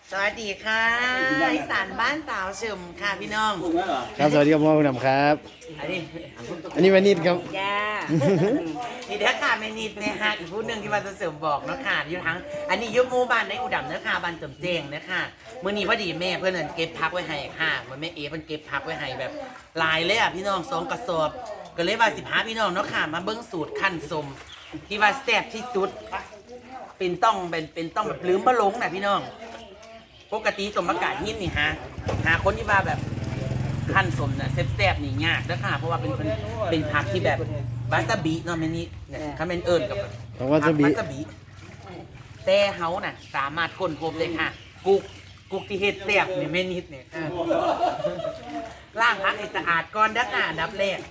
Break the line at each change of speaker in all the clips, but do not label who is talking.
สวัสดีค่ะอีสานบ้านสาวเฉิมค่ะพี่น้อง
ครับสวัสดีครับพ่อคุณดำครับ
อันนี้
อันนี้แม่นิดครับ
ย่านี่เด้อค่ะแม่นิดเนี่ยฮะอีกผู้หนึ่งที่ว่าจะเสริมบอกเนาะค่ะอยู่ทั้งอันนี้ยุบหมู่บ้านในอุดมเนาะค่ะบ้านจำเจงเนาะค่ะมื้อนี้พอดีแม่เพื่อนเก็บพักไว้ให้ค่ะเหมือนแม่เอเพิ่นเก็บพักไว้ให้แบบหลายเลยอ่ะพี่น้อง2 กระสอบก็เลยว่า15พี่น้องเนาะค่ะมาเบิ่งสูตรขั้นสมที่ว่าแซ่บที่สุดเป็นต้องแบบลืมบ่หลงน่ะพี่น้องปกติสมประกาศหินนี่หาคนที่มาแบบขั้นสมเนี่ยแซ่บๆนี่ยากนะค่ะเพราะว่าเป็นผักที่แบบวาซาบิเนาะแม่นี่เนี่ยถ้าเป็นเอิญกับผักวาซาบิแต่เฮาน่ะสามารถค้นพบเลยค่ะกุกที่เฮ็ดแซ่บนี่แม่นิดเนี่ยล้างผักให้สะอาดก่อนนะค่ะอันดับแรก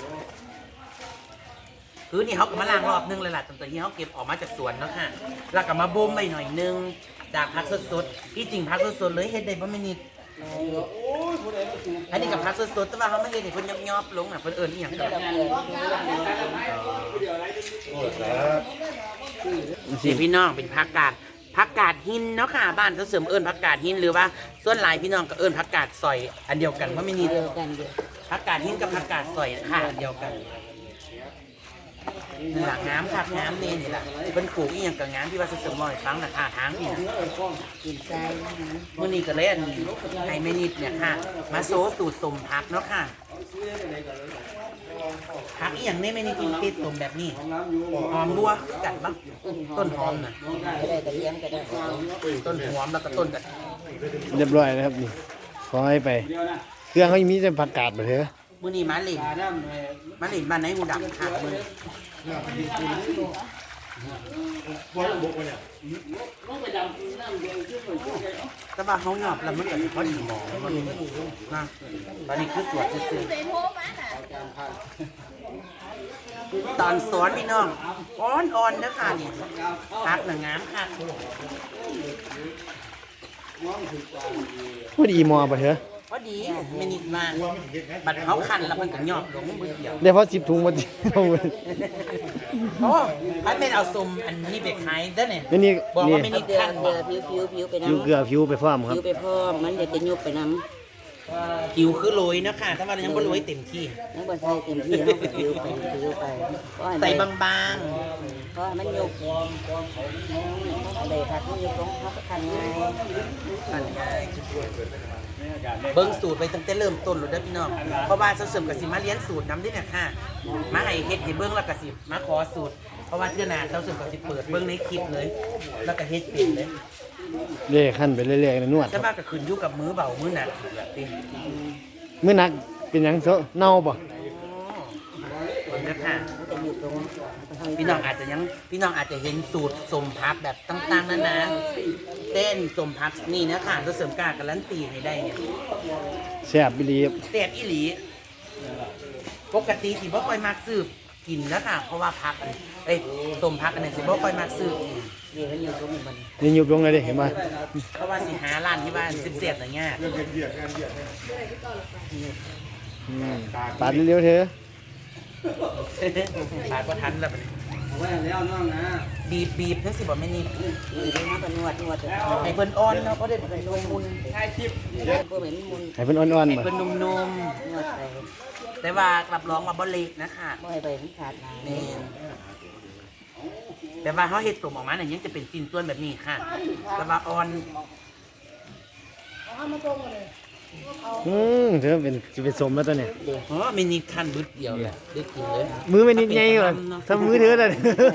คือนี่เขาก็มาล้างรอบนึงเลยล่ะตั้งแต่ที่เขาเก็บออกมาจากสวนเนาะค่ะแล้วก็มาบ่มไปหน่อยนึงจากผักสดๆที่จริงผักสดๆเลยเฮ็ดได้บ่แม่นิดอันนี้กับผักสดๆแต่ว่าเขาไม่เฮ็ดให้เพิ่นยอบๆลงน่ะเพิ่นเอิ้นอีหยังกันสิพี่น้องเป็นผักกาดหินเนาะค่ะบ้านเขาเสริมเอิ้นผักกาดหินหรือว่าส่วนหลายพี่น้องก็เอิ้นผักกาดซอยอันเดียวกันบ่แม่นิดผักกาดหินกับผักกาดซอยค่ะอันเดียวกันนี่แหละน้ำค่ะน้ำนี่แหละเป็นปลูกอีกอย่างกับน้ำที่ว่าสมมติฟังนะค่ะทางนี่มื่อนี้ก็เล่นไอ้แม่นิดเนี่ยค่ะมาโซสูตรสมพักเนาะค่ะพักอีกอย่างนี้แม่นิดกินเป็ดสมแบบนี้หอมบัวกัดบ้างต้นหอมน่ะต้นหอมแล้วก็ต้นกัด
เรียบร้อยนะครับนี่ขอให้ไปเครื่องเขายังมีแต่ผักกาดมาเถอะ
มื่อนี้มาเล่นบ้านไหนหูดับค่ะมือแต่ว่าเขาหยอบแล้วมันก็พอดีหมอนะตอนนี้คือสวดซื่อตอนสอนพี่น้องอ่อนๆนะค่ะนี่พักหนังงามค่ะ
พอดีมอมาเถอะ
พอดีไม่นิดมาบัดเขาคันแล้วมันก็หยอบลงมือเดียว
เดี๋ยวพอ10 ถุงมาดิ
โอ้ไอ้เป็นเอาซุ่มอันนี้ไปขายได้เนี่ย
นี่
บอกว่าไม่นิดคัน
ผิวไปน้ำ
ผิวเกลือผิวไปพร้อมครับ
ผิวไปพร้อมมันจะยุบไปน้ำ
ผิวคือโรยนะค่ะถ้าว่ายังบ่โรยเต็มที่
ยังบ่ใส่เต็มที่เขาผิวไป
ใส่บาง
เพราะมันยุบเลยผักมันยุบลงเขาก็ทันง่าย
เบิ้งสูตรไปตั้งแต่เริ่มต้นเลยเด้อพี่น้องเพราะว่าเสริมกับสิมาเลี้ยงสูตรน้ำด้วยเนี่ยค่ะมาให้เฮ็ดให้เบิ้งแล้วก็สิมาขอสูตรเพราะว่าเทื่อหน้าเสริมกับสิเปิดเบิ้งในคลิปเลยแล้วก็เฮ็ดเป็นเลย
เรื่อยขั้นไปเรื่อยๆนวด
แต่ว่าก็ขึ้นอยู่กับมือเบามือหนักติ
มื้อนักเป็นหยังเซาเน่าบ่
นะคะพี่น้องอาจจะเห็นสูตรสมพักแบบต่างๆนะเต้นสมพักนี่นะค่ะจะเสริมการการันตีให้ได้เนี่ย
แซ่บอีหลี
แซ่บอีหลีปกติสิบ่ค่อยมักซื้อกินนะค่ะเพราะว่าพักสมพักอันนี้สิบ่ค่อยมักซื้อ
นี่ยุบลงเลยดิเห็นไหม
เพราะว่าสิหาร้านที่บ้านเสียบๆอย่างเงี้ย
ปาดเร็วๆเถอะ
ปาดก็ทันแล้วบีบทั้งสิบ่ไม่นี่
นวด
ให้เพิ่นอ่อนเนาะเพราะได้เพิ่นมุน
ให้เพิ่นอ่อนๆ
ให้เพิ่นนุ่มๆแต่ว่ารับรองว่าบ่เละนะคะ
บ่ให้ไปขาด
นี่แต่ว่าเขาเฮ็ดสมออกมาเนี่ยยังจะเป็นชิ้นส่วนแบบนี้ค่ะแต่ว่าอ่อน
เธอจะเป็นสมแล้วตัวเนี่ย
ไม่นิดขั้นบึดเดียวเลยได้กินเลย
มือไม่นิดไงก่อนทำมือเธอเลย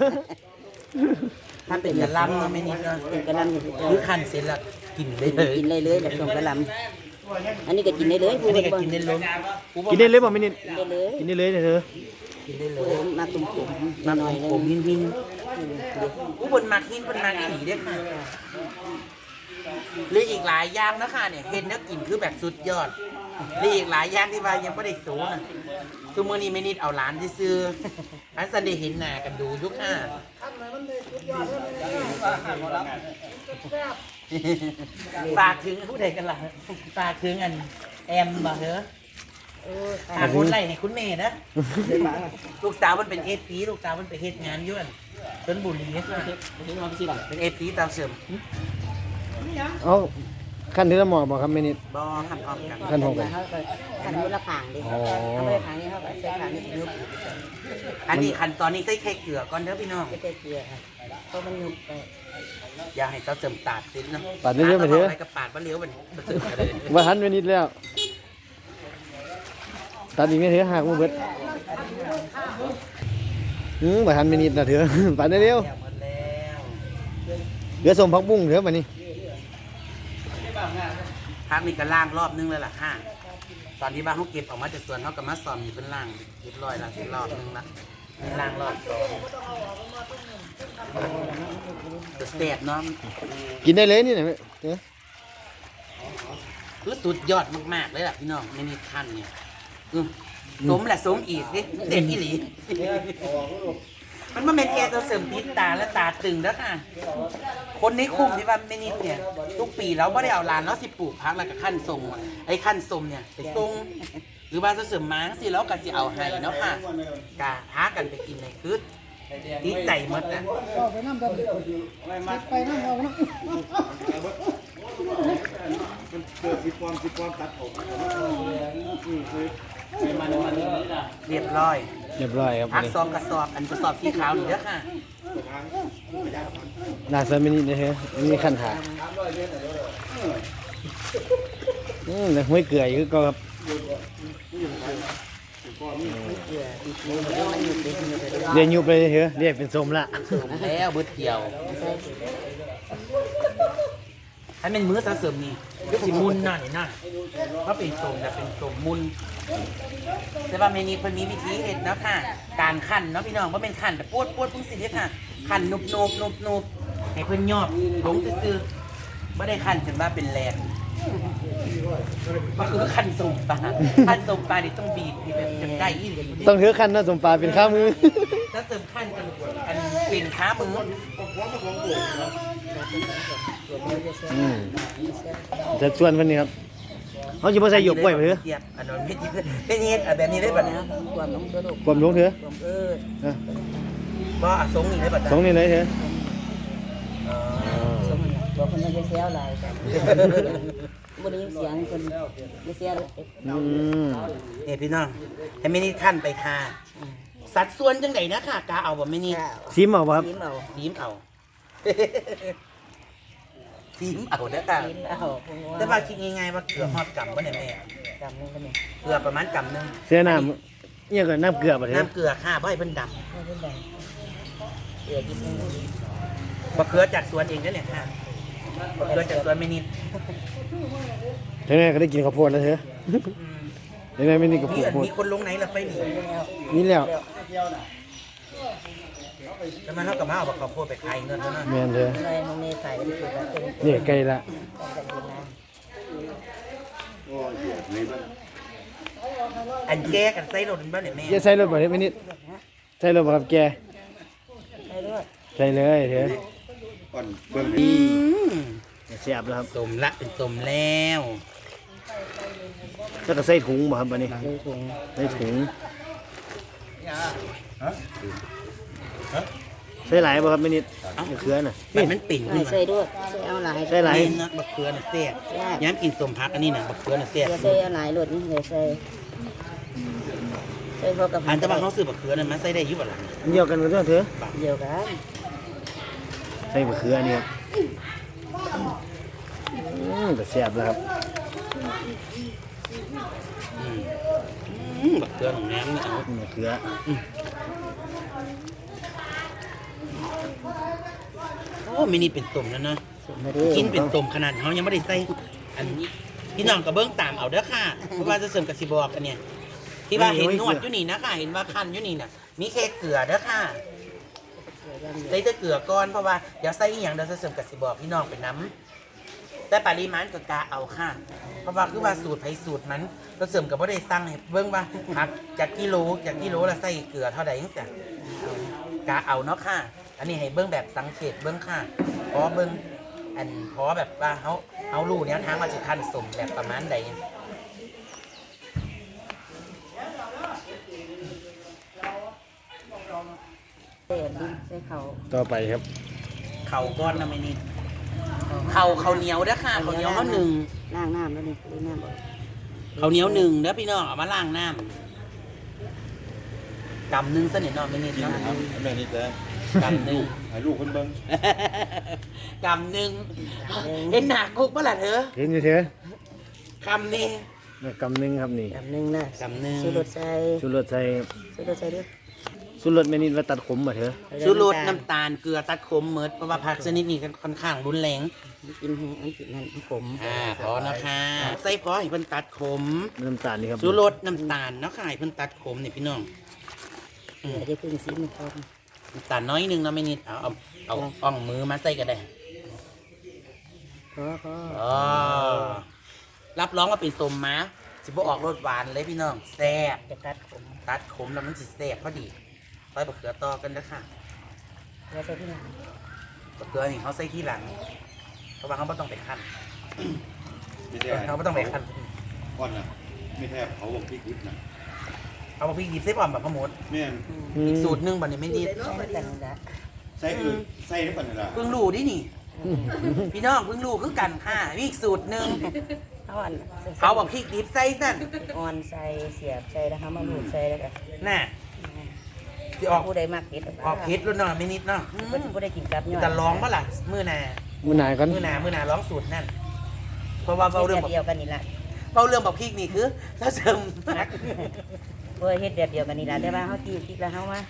ถ้าเป็นกระลำเนาะไม่นิดเนาะ
เป็นกระลำ
คือขั้นเสร็จแล้วกินได้
เลยแบบส่งกระลำอันนี้ก็กินได้เลย
อันนี้ก็กินได้เลย
กินได้เลยบ่ไม่นิดกินได้เลยเธอ
กินได้เลย
มาตุ่ม
มาหน่อยผมหินผู้บนมักหินบนมักอีด้วยค่ะหรืออีกหลายอย่างนะคะเนี่ยเห็นแล้วกินคือแบบสุดยอดหรืออีกหลายอย่างที่ว่ายังไม่ได้สูงนะคือมื่อนี้ไม่นิดเอาหลานที่ซื้ออันสันได้เห็นหน้ากันดูยุคห้าฝากถึงผู้ใดกันล่ะฝากถึงอันแอมบ่เหรอคุณไรให้คุณเมย์นะลูกสาวมันเป็นFCลูกสาวมันไปเฮ็ดงานยุ่นชลบุรีเป็นFCตามเสริม
เอาขั้นที่ละหมอบอกครับแม่นิด
บ่ขั้นพร้อมกัน
ขั้นพร้อมกัน
เขาก็ขันมือละขางดิ
อ๋อ
เขาไม่ได้ขางนี้เขาก็ใช้ขางนี้ยุบ
อันนี้ขั้นตอนนี้ใส่ไข่เกลือก่อนเด้อพี่น้อง
ไม่ได้เกลือครับเพราะมันยุบไป
อย่าให้เขาเจิมตาดสิเนาะ
ปาดเรื่อยๆไปเถอะ
อะไรกับปาดบ่เลี้ยวมันเจิมอะไร
ว่าหันแม่นิดแล้วตัดอีกไม่เถอะหักมือเบิดว่าหันแม่นิดนะเถอะ ปาดเร็ว
หมดแล้ว
เหลือสมพักบุ้งเถอะมานี่
พักนี่ก็ล่างรอบนึงเลยล่ะค่ะตอนที่ว่าเขาเก็บออกมาจากสวนเขาก็มาซ่อมอยู่เป็นล่างเรียบร้อยแล้วรอบนึงละล่างรอบสองจะแสบเนาะ
กินได้เลยนี่นะเถอะ
คือสุดยอดมากๆเลยล่ะพี่น้องไม่มีขั้นเนี่ยสมแหละสมอีกดิเด็กอีหลี มันเป็นแค่ตัวเสริมติดตาและตาตึงแล้วค่ะ คนในคุมที่ว่าไม่นิดเนี่ย ทุกปีเราไม่ได้เอาลานแล้วสิปลูกพักแล้วก็ขั้นทรงอะไอ้ขั้นทรงเนี่ยไปทรงหรือว่าจะเสริมม้างสิแล้วก็สิเอาให้เนาะค่ะกาพากันไปกินในคืดดีใจหมดนะ
เกิดสิความตัดผม
เรียบร้อย
เรียบร้อยครับ
พัก
นี่
ซองกระสอบอันกระสอบสีขาวนี่เด้อค่ะ
น่าสนแม่นิดนะเถอะมีขั้นขาแต่ห้วยเกลืออยู่ก็ครับ
เกลือดีๆมันยุบดิยุบไปด้วย
เรียนยุบไปเถอะเรียกเป็นสมละ
สมแล้วเบิดเดียว
ใช่
ให้เป็นมื้อสะเสริมนี่ก็สิมุนน่ะนี่น่ะเพราะเป็นสมแต่เป็นสมมุนแต่ว่าเมนูเพิ่นมีวิธีเฮ็ดเนาะค่ะ การคั่นเนาะพี่น้องบ่เป็นคั่นแต่ปวดพุ่งสิเด้อค่ะคั่นนุบให้เพิ่นยอบลงซื่อๆบ่ได้คั่นจนว่าเป็นแลนก็คือคั่นสมปลาคั่นสมปลานี่ต้องบีบให้แบบจนได้อีหลี
ต้องเถอะขั้นนะสมปลาเป็นข้ามือ
ถ้าเสริมคั่นจนอันเป็นขามือ
จะส่วนเพิ่นนี่ครับเขาจะมาใส่หยกกล้วยไปเถอะ
เทียบอันนั้นไม่เฮ็ดแบบนี้ได้บัดนี้
ความน้องกระดูก
ความลงเถอะ
ความ
นะ
บ่สงนี่ได้บัด
สองนี่เลยเถอะ
สมมันบอกคนมันจะเสียอะไรกันบ่ได้ยินเสียงคนจะเสียเลย
นี่พี่น้องให้ไม่นี่ขั้นไปทาสัดส่วนจังไดนะค่ะกาเอาบ่ไม่นี่
ซิมเอาบ่ครับ
ยิ้มเอา
ซีมเอาซีมเอาเด้อค่ะ
ยิ้มเอาพวก
แต่ว่าคิดง่ายๆว่าเกลือฮอดกำบ่เนี่ยแม่
จำนึงกันนี่
เกลือประมาณกำนึง
เสียน้ำเนี่ยก็น้ำเกลือบ่เถอะ
น้ำเกลือค่ะบ่ให้เพิ่นด
ไม่เป็นไรเดี๋ยวกินนึง
ำบ่เกลือจากสวนเองเด้อเนี่ยค่ะบ่เกลือจากสวนไม่นี่
เท่านั้นก็ได้กินข้าวโพดแล้วเถอะเท่านั้นไม่นี่ก็ปลูกโพด
มีคนลงไหนล่ะไปนี่
นี่แล้ว
แล้วมันเฮาก็มาเอาบักข้าวโพดไปขายเงินเท่านั้น
แม่นเถอะ
อะไรมึงเนี่ยใส่ก็ได้ถูกแล้วเป็น
นี่ไกลละ
กันกินนะ
อันแก้กันใส่รถมันบ่เนี่ยแม่
อย่าใส่รถบ่เถอะไม่นิดใส่รถบ่ครับแก
ใส่ด้วย
ใส่เลยเถอะ
ก่อนเบิ่ง
อืม
เสียบแล้วครับ
สมละเป็นสมแล้ว
แล้วก็ใส่ถุงบ่ครับบัดนี้
ใส่ถุง
ใส่ถุงใส่หลายบ่ครับไม่นิดมะเขือน่ะ
แบบมันปิ่นขึ้นมา
ใส่ด้วยใส่เอาหลาย
ใส่หลาย
เล่นนะบักเขือน่ะเสียย้ำกินสมพักอันนี้น่ะบักเขือน่ะเสีย
ใส่เอาหลายหลดนี่ใส่ใส่พอกับ
อันแต่ว่าเขาซื้อบักเขือนั่นมาใส่ได้อยู่บ่ล่ะ
อันเดียวกันก็เถอะ
เดียวกัน
ใส่มะเขืออันนี้ครับแต่เสียบแล้วครับ
บักเขือของแหนมนี่เอา
มะเขือ
โอ้มินี่เป็นสมแล้วนะกินเป็นสมขนาดเขายังไม่ได้ใส่อันนี้พี่น้องกับเบิ้งตามเอาเด้อค่ะเพราะว่าจะเสริมกับสิบอกกันเนี่ยที่ว่าเห็นนวดอยู่นี่นะค่ะเห็นว่าคันอยู่นี่น่ะมีแค่เกลือเด้อค่ะใส่แต่เกลือก่อนเพราะว่าเดี๋ยวใส่อีหยังเดี๋ยวจะเสริมกับสิบอกพี่น้องเป็นน้ำแต่ปริมาณก็กาเอาค่ะ เพราะว่าคือว่าสูตรไผสูตรนั้นเราเสริมกับว่าได้สั่งให้เบิ่งว่าหักจากกิโลละใส่เกลือเท่าใดจังซี่กาเอาเนาะค่ะ อันนี้ให้เบิ่งแบบสังเกตเบิ่งค่ะเพราะเบิ่งเพราะแบบว่าเขารู้แนวทางว่าสิคั้นสมแบบประมาณใด
ใส่ดินใส่เขา
ต่อไปครับ
เข่าก้อนนะไม่นี่ข้าวเหนียวเด้อค่ะข้าวเหนียวเขาหนึ่ง
ล้างน้ำแล้วนี่ล้างน้ำบ่
ข้าวเหนียวหนึ่งเด้อพี่น้องเอามาล้างน้ำกำหนึ่งเสนิทนอนไม่นิด
กิน
เนาะ
ครับแม่นี่แต่
กำหนึ่ง
ให้ลูกคนเบิ่ง
กำหนึ่งเห็นหนักกุ๊กปะล่ะเธอ
เห็นอยู่เถอะ
กำนี่
นี่กำหนึงครับนี่
แบบนึงนะ
กำหนึ่ง
ชูรสใส่
ชูรสใส่
ชูรสใส่ด้วย
ชูรสแม่นิดว่าตัดขมบ่เถอะ
ชูรสน้ำตาลเกลือตัดขมเมิดเพราะว่าผักชนิดนี้ค่อนข้างรุนแรง
กินแห้งอันกินนั่นขม
พอนะคะใส่พอให้เพิ่นตัดขม
น้ำตาลนี่ครับ
ชูรสน้ำตาลเนาะค่ะให้เพิ่นตัดขมนี่พี่น้อง
เดี๋ยวจะพึ่งซีมันพอ
น้ำตาลน้อยหนึงเนาะไม่นิดเอาอ่องมือมาใส่ก็ได้
พอ
อ๋อรับรองว่าเป็นสมมาสิบ่ออกรสหวานเลยพี่น้องแซ่บ
จะตัดขม
ตัดขมแล้วมันสิแซ่บพอดีใส่บะเขือต่อกันนะค่ะ
แล้วใส่ที่ไหน
บะเขือนี่เขาใส่ที่หลังเพราะว่าเขาไม่ต้องไปคั่น
ไม่ใช่
เขาไม่ต้องไปคั่น
ก่อนน่ะไม่แทบเขาบอกพริกดิบน่ะ
เอามาพริกดิบใส่ก่อนแบบพะมด
แม่น
อีกสูตรหนึงบัดนี้ไม่นิด
ใส่กันละ
ใส่อื่นใส่ได้ปานนั้นล่ะ
เพิ่งรู้ดินี่ พี่น้องเพิ่งรู้คือกันค่ะมีอีกสูตรหนึง
เอาอัน
เขาบอกพริกดิบใส่สั่น
อ่อนใส่เสียบใส่แล้วเขามาหลูดใส่แล้วก็
น่ะที่ออก
ผู้ใดมากเผ็ด
ออกเผ็ดแล้วเนาะไม่นิดเนาะ
ผู้ใดกินกับยอด
จะลองปะล่ะมื้อหน้า
มื้อหน้าก่อน
มื้อหน้าร้องสูตรนั่นเพราะว่าเบาเรื่อง
เดียวกันนี่ละ
เบาเรื่องบอกพริกนี่คือถ้าเสริมมาก
เพื่อเฮ็ดแบบเดียวกันนี่ละแต่ว่าเขาจีบพริกแล้วเขามาม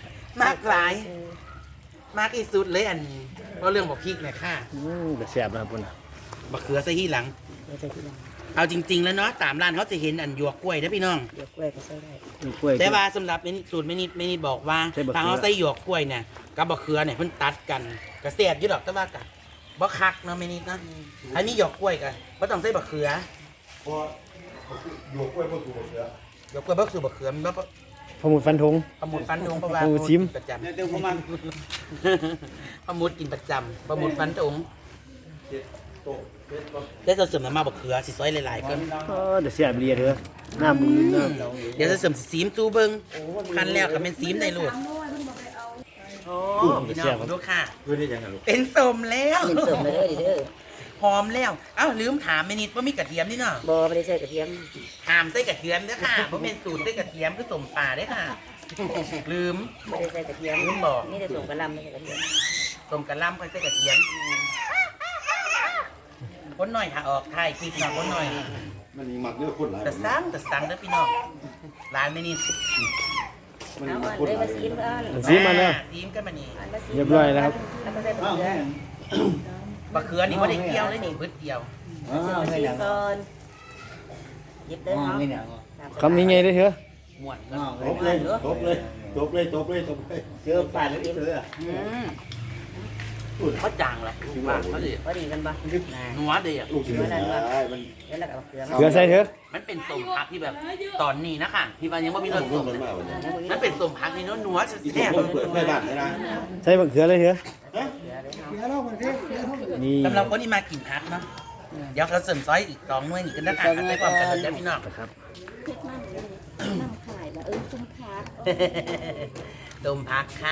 ากหลาย มากที่สุดเลยอันเบาเรื่องบอกพริกเนี่ยค่ะ
แต่แซ่บนะครับพุ่นน่ะ
บะเขือใส่ที่หลัง
เดี๋ยวใส่ที่หลัง
เอาจริง ๆ แล้วเนาะตามร้านเขาจะเห็นอันหยวกกล้วยนะพี่น้อง
เดี๋ยวกล้วยก็ใส่ได้
มีกล้วย
แต่ว่าสำหรับสูตรไม่นิดบอกว่า
ใส่บะเขือ
ทางเขาใส่หยวกกล้วยเนี่ยกับบะเขือเนี่ยเพิ่นตัดกันกระเสียบอยี่ดอกแต่ว่ากับ่คักเนาะไม่นิดนะอันนี้หยวกกล้วยกันบ่ต้องใส่บะเขือ
เพราะอยู่กล้วยบ่ถูกบ่เสือ
หยวกกล้วยบ่สู่บะเขือมันบ่
พอหมดฟันธง
ประมุดฟันธงประว่า
โอ้ชิม
ประจำ
เนี่ยเดี๋ยวผมมัน
ประมุดกินประจำประมุดฟันธง
เจ็ดโต๊ะเจ็ดโต๊ะ
ได้จะเสริมน้ำมาบะเขือสิซอยหลายๆก็
แต่แซ่บเรียเถอะน้ำมึงน้ำ
เดี๋ยวจะเสริมสิซีมจูเบิงคันแล้วก็เป็นซีมในลูกโอ้พี่น้องดูค่ะ
เพื่อนได้ยังไงลูก
เป็นสมแล้ว
เป็นเสริมเลยเด้อ
หอมแล้วเอ้าลืมถามไม่นิดว่ามีกระเทียมนี่เนาะ
บ่ไม่ได้ใส่กระเทียม
ถามใส่กระเทียมเด้อค่ะเพราะเป็นสูตรใส่กระเทียมคือสมป่าเด้อค่ะ ลืม
ไม่ได้ใส่กระเทียม
ลืมบอก
นี่จะส่งกระลำไม่ใส่กระเทียม
สมกระล่ำค่อยใส่กระเทียมคนหน่อยค่ะออกถ่ายคลิปหน่อยคนหน่อย
มันมีหมักเนื้อคนหลาย
แต่สั่งเด้อพี่น้องร้านไม่นิด
มันมี
เอา
หมั
อั
ก
น
คน
เลย
หลา
มาย ซีมอัน
ซีมมาแล้ว
ซีมกันมานี่
อันมาซีม
เรียบร้อยแล้วครับ
แล้วก็ใส่กระเทียม
บะเขือนี่ว่าได้เกี่ยวเลยนี่พืชเดียว
มาซีมก่อนหยิบเลยเนาะ
คำนี้ไงได้เถอะ
หมวนกัน
ตบเลยตบเลยตบเลยตบเลยตบเลยเจอป่านแล้วเจอ
เขาจางแหละว่าเขาดิ
พอดีกันปะ
นัวดีอ่ะ
ลูกชิ้นได้มัน
แล้วเราก็เอาเกลือ
เกลือใส่เถอะ
มันเป็นสมพักที่แบบตอนนี้นะคะที่ว่ายังไม่มีรส
ลู
ส
ก
ม
มันมากเลย
มันเป็นสมพักนี่นัว
อีก
แซ่บ
คนเปิดไฟบ้านนะ
ใส่มะเขือเลยเถอะนี่
สำหรับคนที่มากินพักเนาะเดี๋ยวเขาเสริมซอยอีก2 หน่วยนี่กันนะคะใส่ความกันเลยพี่น้อง
นะครับ
นำขายแล้วคุ้มค่า
สมพักค่ะ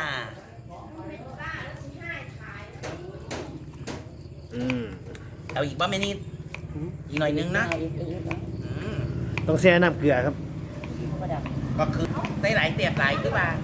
เอาอีกบ้างไหมนี่อีกหน่อยนึงนะอืม
ต้องแช่น้ำเกลือครับ
ก็คือใส่หลายเตียบหลายคือว่า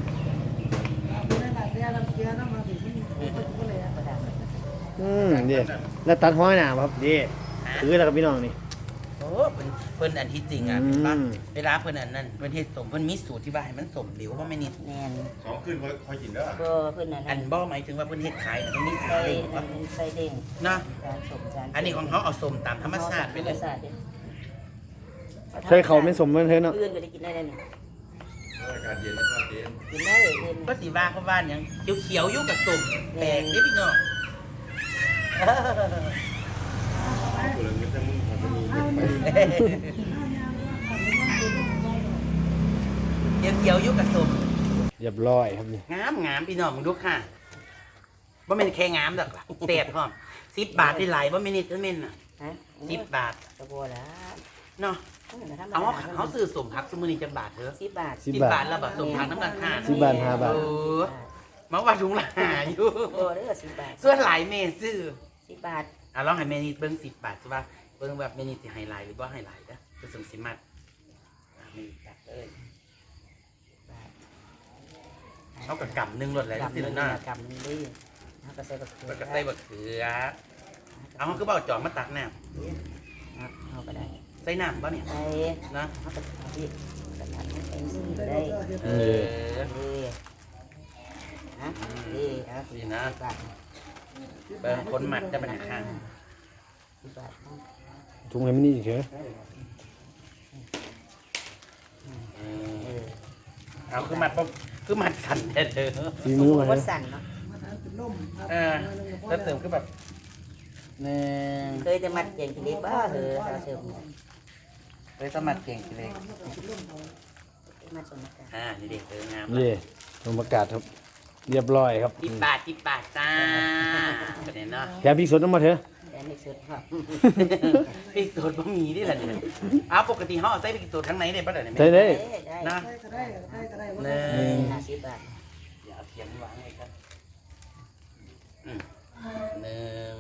นี่แล้วตัดห้อยหนาครับนี่คือแล้วกับพี่น้องนี่
โอ้เพิ่นอันที่จริงอ่ะ
อืม
เห็นปะเวลาเพิ่นอันนั้นเพิ่นเฮ็ดสมเพิ่นมีสูตรที่ว่าให้มันสมเหลวว่าไม่นิด
แมน
2ขึ้นค่อยกินแล้ว
ก็เพื่อน
อั
นั่
น
น
บ่หมายถึงว่าเพิ่นเฮ็ดขายอันนี้
ใส่
เองวะ
ใส่เด้ง
เนาะ
จานสมจาน
อันนี้ของเขาเอาสมตามธรรมชาติไปเลย
ใส่เขาไม่สมมันเถอะเนาะ
เพื่อนก็ได้กินได้เลยนี่
อากาศเย็นนะครับเย็น
กินได้เลยเพื่อน
ก็สิว่าเขาว่าหยังเขียวๆอยู่กับสมแปลกเด้พี่น้อง
ตัวเงินจะมึงมันจะมี
เขียวๆอยู่กับสม
เรียบร้อยครับนี่
งามพี่น้องมึงดูค่ะบ่แม่นแค่งามดอกล่ะแซ่บพร้อม10 บาทได้หลายบ่แม่นนิดเม่นน่ะ
ฮะ
10 บาท
ตะบัวแล้ว
เนาะเอาเขาซื้อสมพักสมื้อนี้จักบาทเถอะ
10 บาท
10
10
บา
บา
ท
ทแล้วบ่สมพักน้ำกันค่ะ
10 บาท5 บาท
เออมาว่าถุงละหาอยู่
บัวเด้อ10 บาท
ส่วนหลายเมซื้อ
10 บาท
ลองให้แม่นิดเบิ้ง10 บาทใช่ป่ะเบิ้งแบบแม่นิดสิไฮไลท์หรือว่าไฮไลท์นะจะสมสิมัดแม่นิดตัดเลยเขากับกำหนึ่งรถอะไร
กำ
สิ
นึง
หน้า
กำนึงดิเขาก็ใส่บักเขือ
แล้วก็ใส่บักเขือเอาเขาก็บอกจอมมาตักน้
เขาก็ได้
ำใส่น้ำป่ะเนี่ย
ใส่
นะ
เขาก็ที่กระดาษให้เองสิได้
เออ
ดีนะดีเอาสิบบาท
เบิ้งคนมัดได้ปัญหาข้าง
10 บาท
ถุงให้มันนี่เถอะ
เออเอาคือมัดปุ๊บคือมัดสั่นแท้เธอ
ฝีมือมา
วั
เถ
ด
อะ
สั่นเนาะ
แล้วเสริมคือแบบหนึ่ง
เคยจะมัดเก่งทีเดียวบ้าเหรอเราเสริม
เลยสมัดเก่งทีเล็ก
มัดสมการ
นี่เด็กเติมงาม
เย่ลงประกาศครับ เรียบร้อยครับ
10 บาทจ้าประเด็นเนาะ
แถมพริกสดน้ำมาเถอะ
แต่ไม่สุดครับ
พริกสดบะหมี่นี่แหละเนี่ยเอาปกติเขาเอาใส่พริกสดทั้งไหนได้ปะเดี๋ยวนี้
ใช่ได้
ได้
นะ
ได้ก็ได้
หนึ่ง
50 บาท
เดี๋ยวเอาเทียนวางไว้ครับหนึ่ง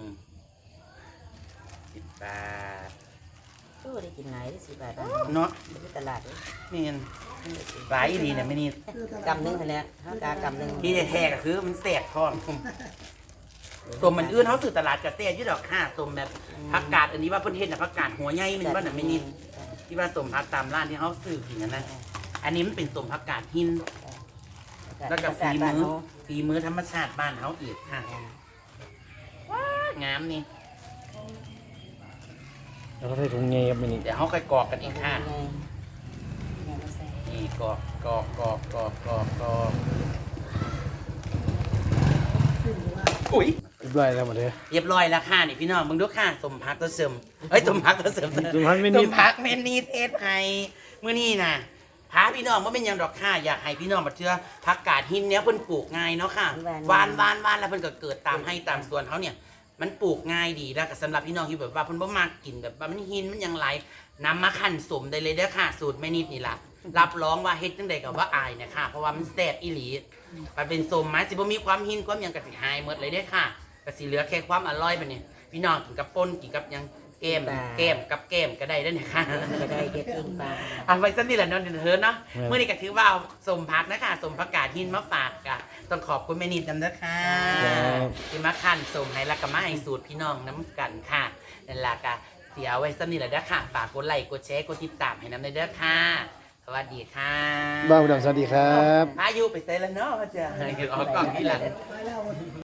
10 บาท
ตู้ได้กินไหนได้10 บาท
เนาะ
ไปตลาดเลย
นี่เงินหลายดีเนี่ยไม่นี่
กำนึงเท่านี้เขากากำนึง
ที่แท้ๆก็คือมันแสบท้องสมมันอื่นเขาสื่อตลาดกระแสยืดดอกค่ะสมแบบผักกาดอันนี้ว่าเพิ่นเฮ็ดน่ะผักกาดหัวใหญ่มันว่าน่ะไม่นิดที่ว่าสมผักตามร้านที่เขาซื้อกินนั่นนะอันนี้มันเป็นสมผักกาดหินแล้วก็ฝีมือธรรมชาติบ้านเขาอีกค่ะว้างามนี่
แล้วก็ใส่ถุงเงี้ยครับมันนี่
เดี๋ยวเขาค่อยกรอกกันอีกค่ะนี่กรอกอุ้ย
เรียบร้อยแล้วมาเถอะ
เรียบร้อยแล้วค่ะนี่พี่น้องมึงดูค่ะสมพักตัวเสริมเอ้ยสมพักตัวเสริม
สมพักเมนิด
สมพักเมนีเทศไทยเมื่อนี้นะพาพี่น้องว่าเป็นหยังดอกค่ะอยากให้พี่น้องมาเชื่อผักกาดหินเนี้ยเพิ่นปลูกง่ายเนาะค่ะวานแล้วเพิ่นก็เกิดตามให้ตามสวนเขาเนี่ย มันปลูกง่ายดีแล้วก็สำหรับพี่น้องที่แบบว่าเพิ่นบ่มากินแบบว่ามันหินมันยังไหลนำมาคั่นสมได้เลยเด้อค่ะ สูตรแม่นิดนี่ล่ะรับรองว่าเฮ็ดจังได๋ก็ว่าอายนะคะเพราะว่ามันแซ่บอีหลีมันเป็นสมไม้สิบ่มีความหินความหยังก็สิหายหมดเลยเด้อค่ะก็สิเหลือแค่ความอร่อยบัดนี้พี่น้องกินกับป่นกินกับหยังแก้มกับแก้มก็ได้เด้อนะคะ
ก็ได้เก็บกินปลา
เอาไว้สักนิดแหละเนาะเดี๋ยวเธอเนาะเมื่อนี้ก็ถือว่าเอาสมพักนะคะสมผักกาดหินมาฝากกะต้องขอบคุณแม่นิดนำนะคะที่มาคั่นสมให้และก็มาให้สูตรพี่น้องน้ำกันค่ะนั่นล่ะก็เสียไว้สักนิดแหละเด้อค่ะฝากกดไลค์กดแชร์กดติดตามให้น้ำในเด้อค่ะสวัสดีค่ะ
บ้าวดำสวัสดีครับ
พายุไปเซแล้วเนาะพ่อเจ้าออกกล่องที่หลัง